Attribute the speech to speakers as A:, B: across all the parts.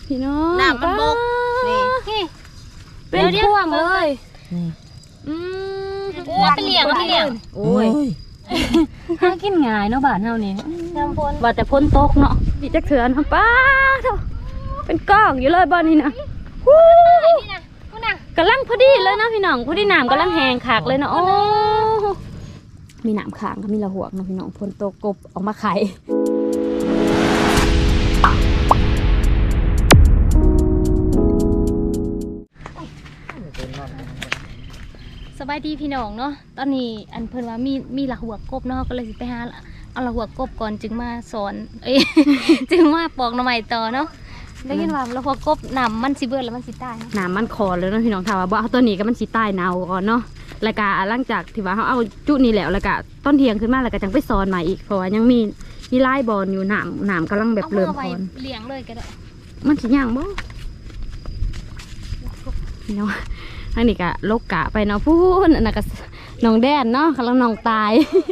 A: พี่น้อง
B: น้ำมันบกนี่
A: เป็นพ่วงเลย
B: ว่าเป็นเหลี่ยง
A: โอ้ยหากินง่ายเนาะบ้านเฮานี่ว่าแต่พ้นตกเนาะดิจักเถื่อนป้าเถอะเป็นก้องอยู่เลยบ้านนี้นะกำลังพอดีเลยนะพี่น้องพอดีน้ำกำลังแห้งขากเลยนะโอ้มีน้ำขางก็มีละหวกนะพี่น้องพ้นตกกบออกมาไข่สบายดีพี่น้องเนาะตอนนี้อันเพิ่นว่ามีละหัวกบเนาะก็เลยสิไปหาเอาละหัวกบก่อนจึงมาสอนจึงมาปอกหน่อไม้ต่อเนาะได้ยินว่าละหัวกบน้ำมันสิเบิดแล้วมันสิตายน้ำมันคอเลยเนาะพี่น้องถามว่าบ่เอาตัวนี้ก็มันสิตายเน่าก่อนเนาะแล้วก็หลังจากที่ว่าเขาเอาจุนี้แล้วก็ต้นเทียงขึ้นมาแล้วก็จังไปสอนใหม่อีกเพราะว่ายังมีลายบอลอยู่น้ำกำลังแบบเริ่มคอนเลี้ยงเลยก็ได้มันสิย่างบ่พี่น้องทางนี้ก็ลกกะไปเนาะพูนอันนั้นก็น้องแดนเนาะกำลังน้องตาย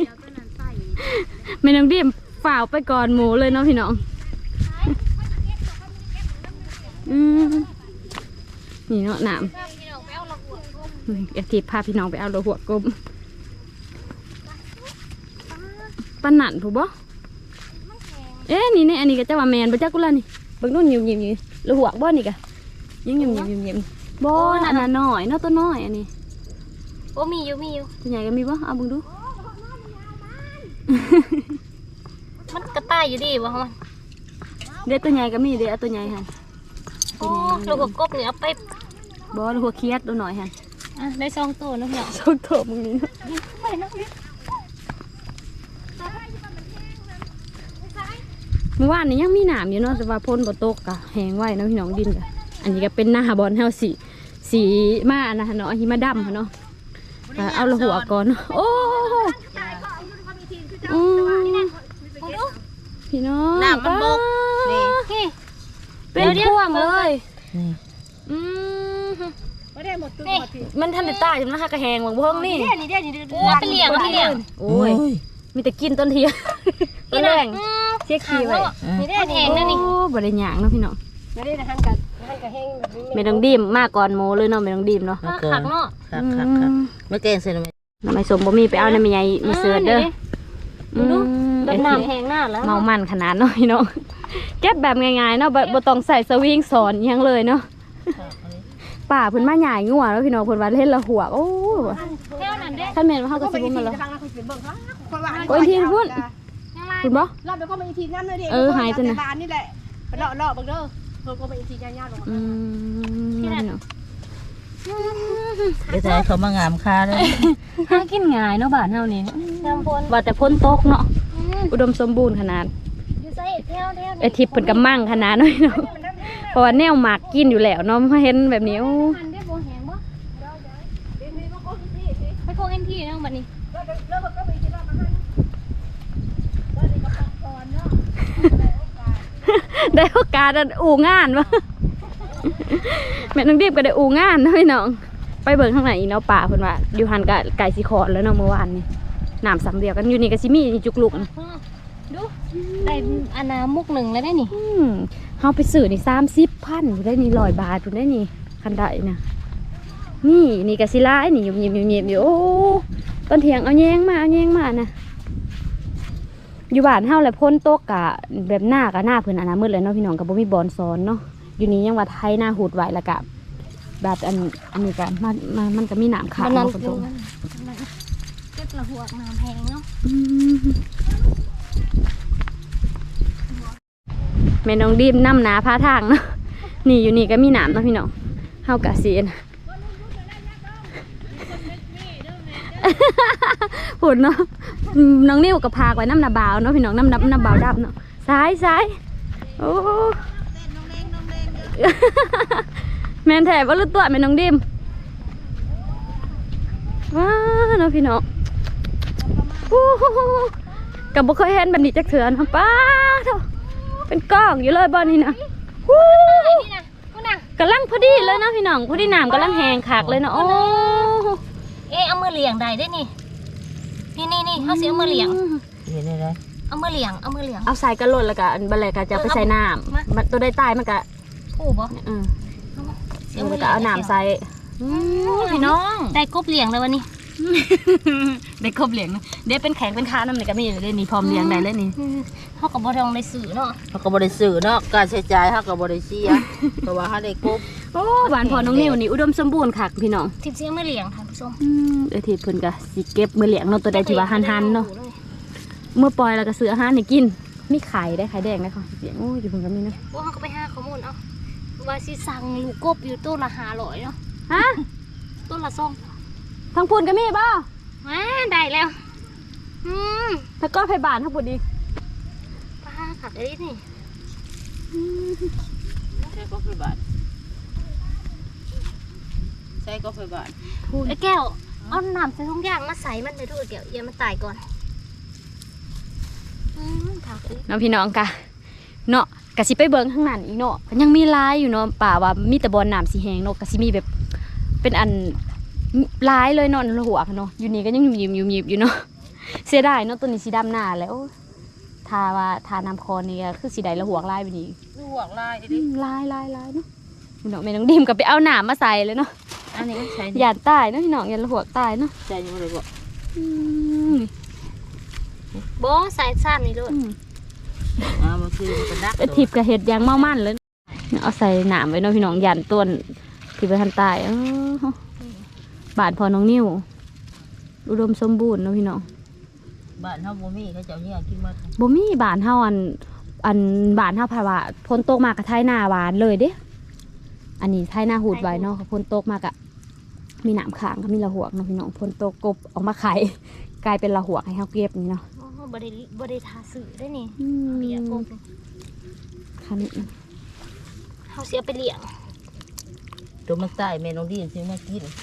A: ไม่น้องดิมฝ่าวไปก่อนหมูเลยเนาะพี่น้องนี่เนาะน้ำอยากทีพาพี่น้องไปเอาหัวกบปนหนันถูกบ่เอ๊ะนี่อันนี้ก็จะว่าแมนบ่จักกุล่ะนี่เบิ่งนู่นยิ้มแล้วหัวบ่นี่กะยังยิ้มบ่อันนั้นน้อยเนาะตัวน้อยอันนี้โอ้มีอยู่ตัวใหญ่ก็มีบ่เอาเบิ่งดูมันกระต่ายอยู่ดีบ่ฮะเด็ดตัวใหญ่ก็มีเด็ดเอาตัวใหญ่ฮะโอ้ลูกหัวกบเนี่ยเอาไปบ่ลูกหัวเคียดตัวหน่อยฮะได้2ตัวนะพี่น้อง2ตัวมึงนี่เมื่อวานนี้ยังมีหนามอยู่เนาะแต่ว่าพ้นบ่ตกกะแห้งไว้นะพี่น้องดินกะอันนี้ก็เป็นหน้าบอลเฮาสีมานะเนาะหิมะดำเนาะเอาละหัวก่อนโอ้พี่น้อง
B: น้ำมันบกนี่
A: เป็นพ่วงเลยมันทันได้ตายจนนะคะกระแหงหวังเพิ่งนี่
B: ว่าเป็นเหลี่ยง
A: โอ้ยมีแต่กินต้นเทียต้นแรงเช็คขี้ไว้
B: นี่ได้แหงนั่นนี่
A: บริหยางเนาะพี่น้องไม่ต้องดิมมากก่อนโมเลยเนาะไม่ต้องดิมเนาะ
B: ขักเนาะขักไม่เก่งเสร็จไหม
A: น้ำไม่สมบ่มีไปเอาในมีใหญ่มีเสือเด้อ
B: ดูแบบน้ำแหงหน้าแล้ว
A: เมามันขนาดเนาะพี่น้องเก็บแบบง่ายๆเนาะบ่ต้องใส่สวิงสอนยังเลยเนาะป่าเพิ่นมาใหญ่งัวแล้วพี่น้องเพิ่นว่าเล่นละหัวโอ้ท่านแม่ว่าเฮาก็สิบ่มาแล้วโอ้ยทีพุ่นคุณบ่
C: รอบไปก็มาอีทีน้ำเลยดิ
A: หายจังนะ
C: นี่แหละเลาะบังเด้อเพิ่นก็มาอีทีย่าๆลง
A: ที่นั่น
B: เดี๋ยวจะเขามางามค่าเลย
A: หากินง่ายเนาะบ้านเฮานี่ว่าแต่พ้นตกเนาะอุดมสมบูรณ์ขนาดไอทิพย์เพิ่นก็มั่งขนาดน้อยเนาะเพราะว่าแนวหมากกินอยู่แล้วเนาะมาเห็นแบบนี้ไปโคเอ็นทีเนาะบัดนี้ได้โอกาสอู่งานวะแม่น้องดิบก็ได้อู่งานนะพี่น้องไปเบิ่งข้างไหนอีเนาะป่าเพิ่นว่าอยู่หันกับไก่สีขอดแล้วเนาะเมื่อวานนี่น้ำสำเดียวกันอยู่นี่ก็สิมีจุกลุก
B: ดูได้อันน้ำมุกหนึ่งแล้วได้นี่
A: เฮาไปซื้อนี่30,000ได้นี่100 บาทพุ่นได้นี่คันได้นะนี่ก็สิลายนี่ยิ้มอยู่โอ้ต้นเถียงเอาแยงมานะอยู่บ้านเฮาแหละพ้นโต๊ะกะแบบหน้าเพิ่นอันนั้นมืดเลยเนาะพี่น้องก็บ่มีบอลซ้อนเนาะอยู่นี่ยังว่าไทยหน้าหูดไว้แล้วก็แบบอันนี้ก็มันก็มีน้ำขาวเนาะคนตรง
B: เก็บละหัวน้ำแพงเนาะ
A: แม่น้องดิมน้ำหนาพาทางเนาะนี่อยู่นี่ก็มีน้ำเนาะพี่น้องเฮากะสิผุดเนาะน้องนิ้วกับพากไว้น้ำนาบาวเนาะพี่น้องน้ำบาวดับเนาะซ้ายโอ้แมนแถบว่าลุตัวแม่น้องดิมว้าเนาะพี่น้องกับบุเคยเห็นแบบนี้จักเถื่อนป้าเถอะเป็นก้องอยู่เลยบ้านนี้นะกำลังพอดีเลยนะพี่น้องพอดีน้ำกำลังแห้งขากเลยนะโอ้
B: เอามือเหลี่ยงได้ได้นี่เขาเสียมือเหลี่ยงเอามือเหลี่ยง
A: เอาใส่กระโหลกแล้วก็บันไลก็จะไปใส่น้ำมันตัวได้ตายมันก็
B: ผู้บ่
A: แล้วก็เอาน้ำใส่พี่น้อง
B: ได้กบเลี้ยงแล้ววันนี้
A: ได้ครบเหลียงนะเดี๋ยวเป็นแข็งเป็นค้าน้ำนี่ก็มีอยู่เลยนี่พร้อมเลี้ยงได้เลยนี่
B: เฮาก็บ่ต้องได้ซื้อเนาะ
C: เขาก็บ่ได้ซื้อเนาะการใช้จ่ายเขาก็บ่ได้เสียเพราะว่าเขาได้กบ
A: โอ้หวานพอน้องนิวนี่อุดมสมบูรณ์ค่ะพี่น้อง
B: ทิพย์เสียงไม่เลี้ยงท่านผู้ชม
A: ทีเพิ่นก็สิเก็บมือเลี้ยงเนาะตัวใดที่ว่าหันๆเนาะเมื่อปล่อยแล้วก็ซื้ออาหารให้กินมีไข่ได้ไข่แดงได้ค่ะเสียงโอ้ยอยู่เพิ่นก็มีเนาะ
B: ว่าเฮาก็ไปหาข้อมูลเอาว่าสิสั่งลูกกบอยู่ตัวละ500เนาะ
A: ฮะ
B: ตัวละ2
A: ทั้งพูนก็มีบ่
B: มาได้แล้ว
A: แล้วก็ไผบ้านทั้งพูนอีก
B: ป้าขับได้นี่
C: ใช้ก็ไปบาทใช้ก็ไปบาท
B: ไอ้แก้วเอาน้ำใส่ถุงยางมาใส่มันเลยทุกแก้วอย่ามันตายก่อนผักเลย
A: น้องพี่น้องกะเนาะกะสิไปเบิ่งข้างนั้นอีกเนาะก็ยังมีลายอยู่เนาะป่าว่ามีแต่บ่อน้ำสีแห้งเนาะกะสิมีแบบเป็นอันลายเลยเนาะหัวเนาะอยู่นี่ก็ยังยิ้มอยู่เนาะเสียดายเนาะตัวนี้สีดำหน้าแล้วทาว่าทาน้ำคอนี่ก็คือสีใดละหัวลายไปนี่
C: ลูกลายดิ
A: ลายเนาะพี่น้องแม่น้องดิมก็ไปเอาหนามมาใส่เลยเนาะ
C: อันนี้ก็ใช้
A: หยาดใต้เนาะพี่น้องหยาดละหัวใต้เนาะ
C: ใช้ยังไงบ่
B: โบใส่ซ้ำนี่ด้วย
C: มันคือมันดัก
A: ไอทิพย์กับเห็ดยางเมามั่นเลยเอาใส่หนามไว้เนาะพี่น้องหยาดต้นที่ไปทันใต้บาดพอน้องนิ้วอุดมสมบูรณ์เนาะพี่น้อง
C: บ้านเฮาบ่มีเขาเจ้าเนี่ยกินมา
A: บ่มีบานเฮาอันบานเฮาพาว่าพ้นตกมากกับไทยหน้าหวานเลยเด้อันนี้ไทยหน้าหูดไว้เนาะพ้นตกมากะมีหนามขางก็มีละหัวเนาะพี่น้องพ้นตกกบออกมาไข่กลายเป็นละหัวให้เฮาเก็บนี่เนาะ
B: บ่ได้ทาสื่อได้นี่เปียกบ
A: คัน
B: เฮาเสียไปเลี้ยง
C: ตัวมันใต้แม่น้องดีนซื้อมากิน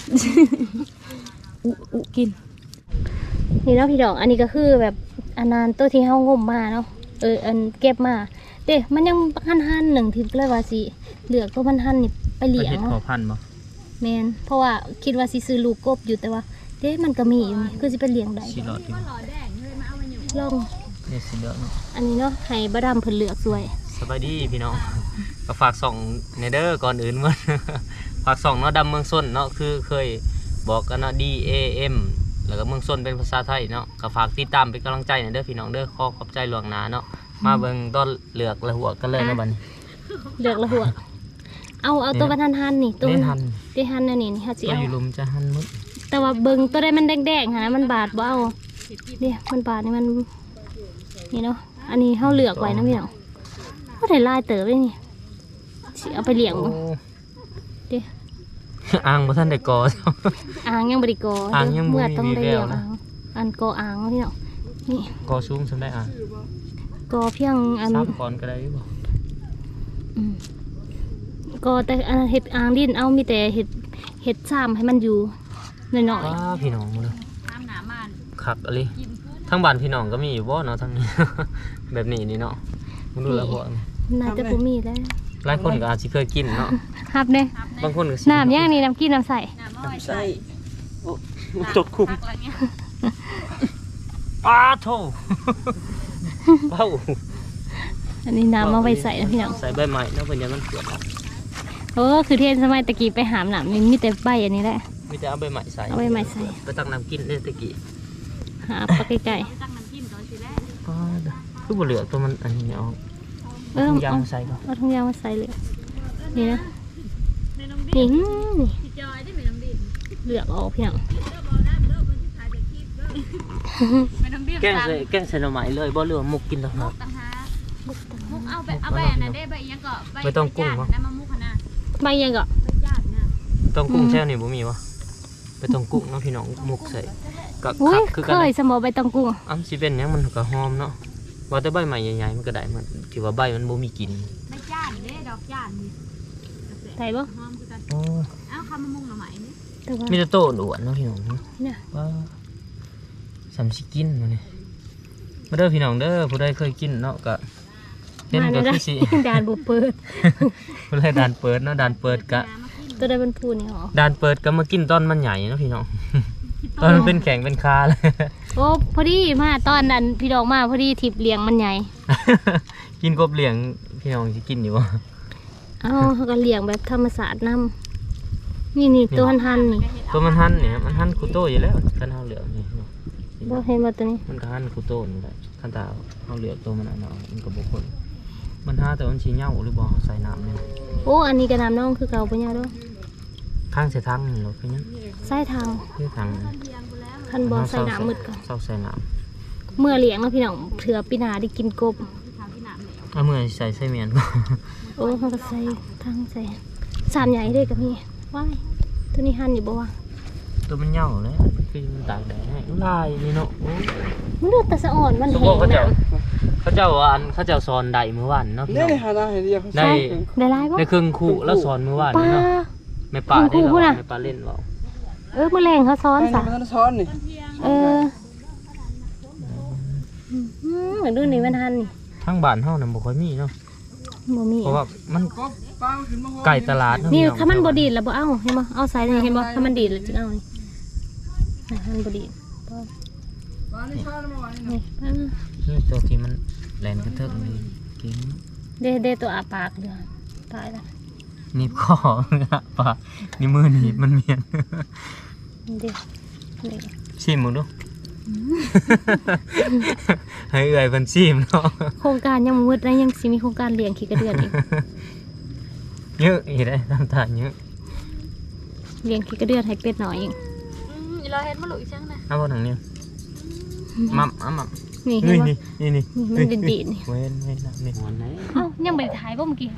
A: อุกิน
B: นี่เนาะพี่ดอกอันนี้ก็คือแบบอันนั้นตัวที่เฮางมมาเนาะอันเก็บมาเด้มันยังหั่นๆหนึ่งทิพย์เลยว่าสิเหลือกตัวมันหั่นนี่ไปเลี้ยง
D: เห็ด
B: เนาะ
D: พอพันธุ์บ่
B: แมนเพราะว่าคิดว่าสิซื้อลูกกบอยู่แต่ว่าเด้มันก็มีอยู่นี่คือสิไปเลี้ยงได้
D: สีหลอดอยู่
B: ลอง
D: เนี่ยสีเหลืองเนาะ
B: อันนี้เนาะให้บะดำเพิ่นเลือกสวย
D: สบายดีพี่น้องก็ฝากส่องในเด้อก่อนอื่นมัน ฝากส่องเนาะดำเมืองส้นเนาะคือเคยบอกกันเนาะ DAM แล้วก็เมืองส้นเป็นภาษาไทยเนาะก็ฝากติดตามเป็นกำลังใจในเด้อพี่น้องเด้อขอบใจหลวงนาเนาะมาเบิ่งต้นเหลือกและหัวกันเลยเนาะบัดนี้
B: เลือกละหัวเอาตัวมันหั่นๆนี่ตัว
D: เล่
B: มัน
D: นทัน
B: ที่หั่นอันนี้นี่เฮาสิ
D: ตัว
B: เอา
D: อยู่ลุมจะหันมุด
B: แต่ว่าเบิ่งตัวใดมันแดงๆหั่นนะมันบาดบ่เอาเด้มันบาดนี่มันนี่เนาะอันนี้เฮาเลือกไว้นะพี่น้องบ่ได้ลายเติบเลยนี่สิเอาไปเลี้ยง
D: โอ้
B: บ่เด้
D: อ่างบ่ทันได้กอ
B: อ่างยังบริกอ
D: อ่างยังบ่
B: เมื่อต้องได้
D: มี
B: เลี้ย
D: แว
B: ง
D: วนะ
B: อันกออ่างพี่เนาะนี่
D: กอสูงสำได้อ่าง
B: กอเพียงอัน
D: 3 ก่อนก็ได้บ่
B: อืมกอแต่อันเห็ดอ่างดินเอามีแต่เห็ดซ้ำให้มันอยู่หน่อย
D: ว้าพี่น้องเลยคักอะไรทั้งบ้านพี่น้องก็มีอยู่บ่เนาะทั้งนี้ แบบนี้นี่เนาะมึงดูและหัว
B: ๆน่าจะบ่มีแล้ว
D: หลายคนก็อาจสิเคยกินเนาะ
B: ครับเด้
D: บางคนก็สิ
B: น้ำย่างนี่น้ำกินน้ำใส
C: ใช่
D: ตกคุมอ้าโธ่ เบ้า
B: อันนี้น้ำเอาไปใส่นะพี่น้อง
D: ใส่ใบไม้แล้วเป็นยังมันเกิด
B: คือเทนสมัยตะกี้ไปหามหนามนี่มีแต่ใบอันนี้แหละ
D: มีแต่เอาใบไม้ใส่
B: เอาใบไม้ใส่
D: ไปตักน้ำกินเนี่ยตะกี้
B: หาปลาใกล้
D: ก็คือบ่เหลือตัวมันอันนี้เอา
B: ๆ
D: ถุงยางมาใส่ก่อน
B: เอาถุงยางมาใส่เลยนี่นะนี่เลือกออกพี่น้อง
D: แกงใส่หน่อไม้เลยบ่เหลือมุกกินต่างหาก
E: มุกเอาแบบนั้นได้ใบยังก็ใบ
D: ไม่ต้องกุ้งวะ
E: น้ำมันมุกขนาด
B: ใบยังก็
E: ใบญาตินะ
D: ต้องกุ้งแช่นี่บ่มีวะไปต้องกุ้งเนาะพี่น้องมุกใส่ก็
B: อุ้
D: คั
B: ย
D: กคือ
B: เค
D: กัน
B: ยสมอใบตองกุ้ง
D: อ้ำสิเป็นหยังมันก็หอมเนาะว่าแต่ใบใหม่ใหญ่ๆมันก็ได้มันที่ว่าใบมันบ่มีกลิ่น
E: ใบญาติเด้ดอกญาตินี่
B: ใส่บ่
E: หอมคือกัน
D: โอ้
E: เอ้าคำมะม่วงหน่อไม้นี่
B: แต่ว่า
D: มีแต่โตอ้วนๆเนาะพี่น้องเนาะ
B: เนี่ย
D: ว่าสำสิกินมาเนี่ยมาเด้อพี่น้องเด้อผู้ใดเคยกินเนาะก็เห็นก็คือสิ
B: ด่านบุเปิด
D: ผู้ใดด่านเปิดเนาะด่านเปิดกะ
B: ตัวใดเป็นพูนี่หรอ
D: ด่านเปิดก็มากินตอนมันใหญ่เนาะพี่น้อง ตอนมันเป็นแข็งเป็นคาเลย
B: โอ้พอดีมาตอนนั้นพี่ดอกมาพอดีทิพย์เลี้ยงมันใหญ่
D: กินกบเหลียงพี่น้องสิกินอยู่บ่
B: เอาเขาก็เลี้ยงแบบธรรมศาสตร์นำนี่ตัวหันนี่
D: ตัวมันหันเนี่ยมันหันคูโต้อยู่แล้วคันเฮาเหลือกนี่
B: บ่เห็นบ่ตัวนี้
D: มันก็หันคูโต้นี่แหละคันตาเฮาเหลือกตัวมันน่ะเนาะมันก็บ่คนมันหาแต่มันสิเหย้าหรือบ่ใส่น้ำนี่
B: โอ้อันนี้ก็น้ำน้องคือเก่าบ่ยาวเด้อ
D: ข้างใส่ทางนี่รถคือหยัง
B: ใส่ทาง
D: คือทาง
B: คันบ่ใส่น้ำมืดก่อน
D: เซาใส่น้ำ
B: เมื่อเลี้ยงเนาะพี่น้องเผื่อปีหน้าได้กินกบ
D: เอามือใส่เมียน
B: โอ้เขาก็ใส่ทางใส่สานใหญ่เด้ก็มีว้ายตัวนี้หันอยู่บ่วะ
D: ตัวมันเหย้าเลยคือมันตากแดดให้ลายนี่เนาะโอ้
B: มันดูแต่สะอ่อนมัน
D: สม
B: แห้
D: มุติ
B: ง
D: เขาเจ้า
B: นะ
D: เขาเจ้าสอนได้มื้อวานเนาะพี่
C: เนี่
D: น้
C: ย
D: อง
C: หาได้เดียว
D: ได้
B: ได้หลายบ่
D: ได้ครึ่งคู่แล้วสอนมื้อวาน
B: ปลา
D: นี่เนาะแม่ป่าได้
B: ครึ่งคู่
D: เหรอ
B: น่ะ
D: แม่ป่าเล่นเปล่า
B: มื้อแรงเขาซ้อนซะ
C: มันซ้อนนี่
B: เออเหมือนดูนี่มันหันนี่
D: ทางบ้านเฮาน่ะบ่ค่อยมีเนาะ
B: บ่มี
D: เพราะว่ามันไก่ตลาดเาะ
B: นี่
D: พี่อง
B: ถ้ามันบ่ดีดแล้วบ่เอาเห็นบ่เอาใส่นี่เห็นบ่ถ้ามันดีดแล้วจึงเอานี่มันบ่ดีดนี่
D: นี่ตัวที่มันแหลนกระเทิกนี่กิน
B: เดตัวอาปากเด้อตายแล้ว
D: หนีบคอปากนี่มือหนีบมันเมียน
B: เด้เด้
D: ชิมมึงดู ให้เอื่อยเพิ่นชิมเนาะ
B: โครงการยังบ่มืดนะยังสิมีโครงการเลี้ยงขี้กระเดือนอีก
D: เยอะอีกได้น้ำตาลเยอะ
B: เลี้ยงขี้กระเดือนให้เป็ดหน่อยอีก
E: อีเราเห็นมาหลุยจังนะ
D: เอาบ่ทางนี้มัมมัม
B: นี่เห็น
D: นี่
B: บ่
D: นี่นี่
B: นี่มันดีดๆนี่
D: เว้นนะนี่หัวไหน
B: เอ้ายังบ่ได้ถ่ายบ่เมื่อกี้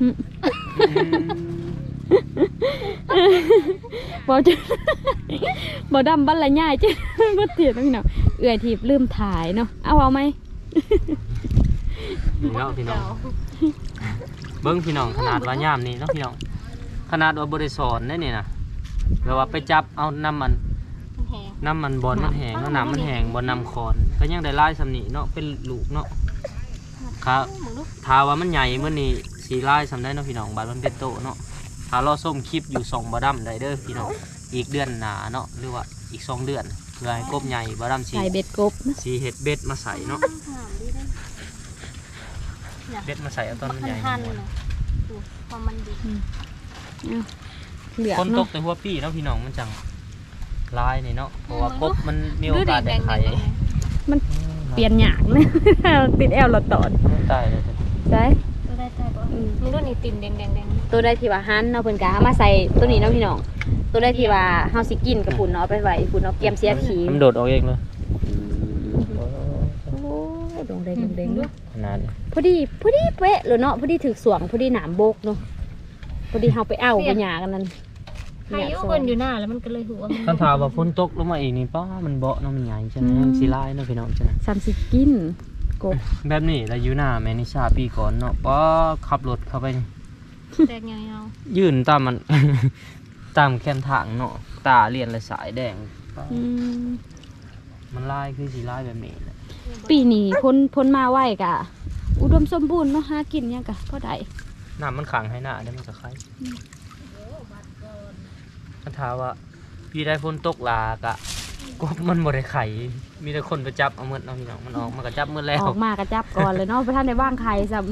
E: บ่จะบ่ดำบันละย่ายจ้ะบ่เตียนพี่น้องเอื้อยทีบลืมถ่ายเนาะเอาไหม
D: นี่เนาะพี่น้องเบิ้งพี่น้องขนาดว่ายามนี่เนาะพี่น้องขนาดว่าบ่ได้สอนได้นี่นะแบบว่าไปจับเอาน้ำมันบอลมันแห้งแล้วน้ำมันแห้งบอลน้ำคอนก็ยังได้ลายสำนีเนาะเป็นลูกเนาะครับถ้าว่ามันใหญ่เมื่อนี้สีลายสำได้เนาะพี่น้องบาดมันเป็นโตเนาะถ้ารอส้มคลิปอยู่2บ่ดำได้เด้อพี่น้องอีกเดือนหน้าเนาะหรือว่าอีก2 เดือนเพื่อให้กบใหญ่บ่ดำสี
E: ใส่เบ็ดกบนะ
D: สีเห็ดเบ็ดมาใส่เนาะเบ็ดมาใส่เอาตอนมันใหญ่
B: หันๆน่ะพอมันดี
E: เหลือ
D: คนต
E: เนาะ
D: กแต่หัวปีเนาะพี่น้องมันจังลายนี่เนาะเพราะว่ากบมันมีโอกาสได้ไข่
E: เปลี่ยนหยางนะ ติดแอลเราตอด
D: ตายเลย
E: ใช่
B: ตัวได้ตายบ่มึงดูนี่ติ่มแดงๆ
E: ตัวได้ที่ว่าหันเนาะเพิ่นก็เอามาใส่ตัวนี้เนาะพี่น้องตัวได้ที่ว่าเฮาสิกินกับปุ่นเนาะเอาไปไว้ปุ่นเนาะเตรียมเสียขี้
D: มันโดดออกเองเลย
E: โอ้ยดงเด้งเด้งเนาะ
D: ขนาดนี้
E: พอดีเป๊ะเลยเนาะพอดีถึกสวงพอดีหนามโบกเนาะพอดีเฮาไปเอาไปหยากันนั่น
B: ๆใครอยู่เพิ่นอยู่หน้าแล้วมันก็เลยหัวมัน
D: คันถามว่าฝนตกลงมาอีกนี่ป้ามันเบาะเนาะมันใหญ่ใช่ไหมมันสีลายเนาะพี่น้องใช่ไหม
E: ซ้ำสิกินกบ
D: แบบนี้แล้วอยู่หน้าแมนิชาปีก่อนเนาะป้าขับรถเข้าไปนี่
B: แดงยาว
D: ยื่นตามมัน ตามแคมทางเนาะตาเลียนเลยสายแดงป๊า
E: อืม
D: มันลายคือสีลายแบบนี้แหละ
E: ปีนี้พ้นมาไหวกะ อุดมสมบูรณ์เนาะหากินหยังกะพอได้
D: น้ำมันขังให้หน้าได้มันก็คล้ายคันถามว่าพี่ได้ฝนตกลากะกบมันบ่ได้ไข่มีแต่คนไปจับเอาเมื่อน้องพี่น้องมันออกมันก็จับเมื่อแล้ว
E: ออกมากระจับก่อนเลยเนาะไปท่านในบ้างไข่ซ้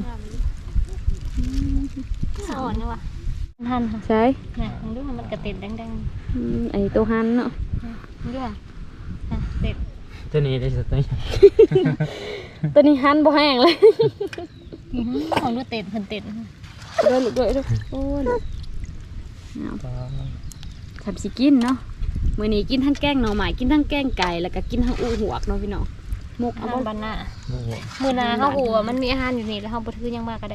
B: ๆสะอ่อนเนาะว่ะหันค่ะ
E: ำใช่
B: น่ะมึงดูมันก็ติดแดง
E: ไอตัวหันเนาะ
B: ๆมึงดูอ่ะติด
D: ตัวนี้ได้สุดตัวนี้
E: ตัวนี้หันบ่แห้งเลย
B: ของดูติดเพิ่นติด
E: ด้วยลูกด้วยโอ้ยทำสิกินเนาะมื้อนี้กินทั้งแกงหน่อไม้กินทั้งแกงไก่แล้วก็กินทั้งอูหวกเนาะพี่น้องมก
B: อา
E: เอา
B: หาร
E: บ่
B: บ้านหน้ามื้อหน้าเฮาฮู้ว่ามันมีอาหารอยู่นี่แล้วเฮาบ่ถือหยังมาก็ได้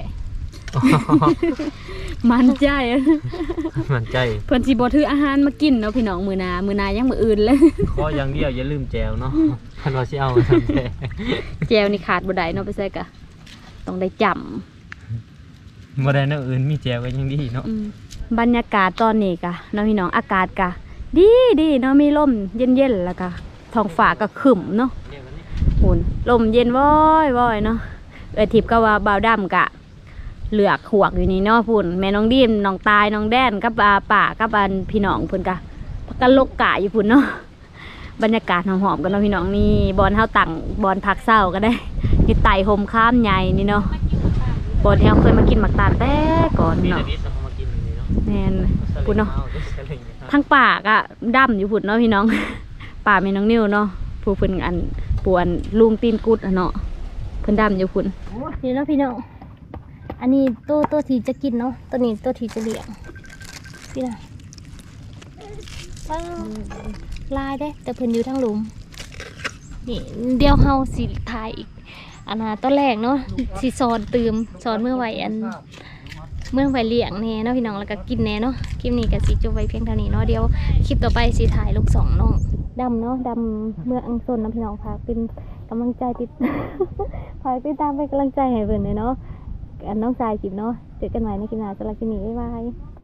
E: มันใจ
D: มันใจ
E: เพิ่นสิบ่ถืออาหารมากินเนาะพี่น้องมื้อหน้ายังมื้ออื่นเลย
D: ขออย่างเดียวอย่าลืมแจวเนาะคันว่าสิเอาไปทำแจว
E: แจวนี่ขาดบ่ได้เนาะไปใส่กะต้องได้จำ
D: บ่ได้เนาะอื่นมีแจวก็ยังดีเนาะ
E: บรรยากาศตอนนี้กะเนาะพี่น้องอากาศกะดีเนาะมีลมเย็นๆแล้วก็ท้องฟ้าก็ครึ้มเนาะหุ่นลมเย็นว้อยเนาะทิพย์ก็ว่าบ่าวดำกะเหลือกหวกอยู่นี่เนาะพุ่นแม่น้องดีมน้องตายน้องแดนกับป่ากับพี่น้องพุ่นกะพักกันลกกะอยู่พุ่นเนาะบรรยากาศหอมๆกันเนาะพี่น้องนี่บอลเฮาตั้งบอลพักเศร้าก็ได้อยู่ไต่ห่มข้ามใหญ่นี่เนาะบอลที่เฮาเคยมากินหมักตาลแต่ก่อน
D: มี
E: เนาะ
D: แต่วิทย์เรามา
E: แม่นพุ่นเนาะทั้งปากอะดำอยู่พุ่นเนาะพี่น้อง ป่าแม่น้องนิ้วเนาะผู้เพิ่นอันปวนลุงตีนกุดอะเนาะเพิ่นดำอยู่พุ่น
B: นี่เนาะพี่น้องอันนี้ตัวที่จะกินเนาะตัวนี้ตัวที่จะเลี้ยงพี่น่ะว้าวลายได้แต่เพิ่นอยู่ทั้งหลุมนี่เดี๋ยวเฮาสิถ่ายอีกอันน่ะตอนแรกเนาะสิสอนเมื่อไหวเมื่อไหวเลี้ยงแน่เนาะพี่น้องแล้วก็กินแน่เนาะคลิปนี้ก็สิจบไว้เพียงเท่านี้เนาะเดี๋ยวคลิปต่อไปสิถ่ายลูกสองน้องดำเนาะดำเมื่ออังต้นนะพี่น้องค่ะเป็นกำลังใจติด ฝากติดตามเป็นกำลังใจให้เพิ่นเลยเนาะอันน้องชายคลิปเนาะเจอกันใหม่ในคลิปหน้าสำหรับคลิปนี้บ๊ายบาย